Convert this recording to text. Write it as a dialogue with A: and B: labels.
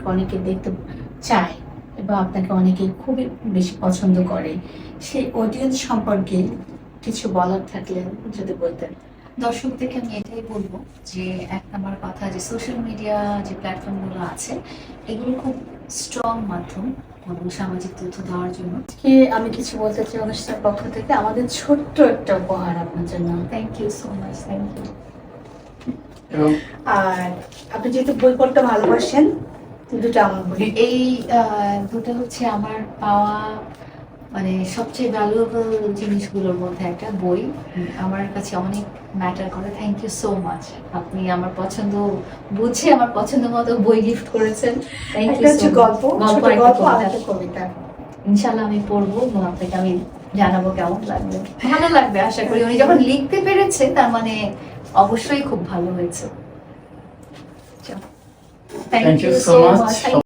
A: আপনাকে অনেকে দেখতে চায় এবং আপনাকে অনেকে খুবই বেশি পছন্দ করে, সেই অডিয়েন্স সম্পর্কে কিছু বলার থাকলে যদি বলতেন।
B: দর্শকদেরকে আমি এটাই বলবো যে এক নম্বর কথা, যে সোশ্যাল মিডিয়া যে প্ল্যাটফর্মগুলো আছে এগুলো খুব স্ট্রং মাধ্যম এবং সামাজিক তথ্য দেওয়ার জন্য।
A: কি আমি কিছু বলতে চাই অনুষ্ঠানের পক্ষ থেকে, আমাদের ছোট্ট একটা উপহার আপনার জন্য।
B: Thank you so much, thank you.
A: আর আপনি যেহেতু বই পড়তে ভালোবাসেন, দুটো আমার বই।
B: এই দুটো হচ্ছে আমার পাওয়া মানে সবচেয়ে ভ্যালুয়েবল জিনিসগুলোর মধ্যে একটা বই। আমার কাছে অনেক ম্যাটার করে। থ্যাংক ইউ সো মাচ, আপনি আমার পছন্দ বুঝে আমার পছন্দ মতো বই গিফট করেছেন। থ্যাংক
A: একটা
B: ইউ
A: হচ্ছে
B: সো
A: গল্প, ছোট গল্প আর একটা কবিতা।
B: ইনশাল্লাহ আমি পড়বো এবং আপনাকে আমি জানাবো কেমন লাগবে। ভালো লাগবে আশা করি। উনি যখন লিখতে পেরেছে তার মানে অবশ্যই খুব ভালো হয়েছে।
C: Thank you so much.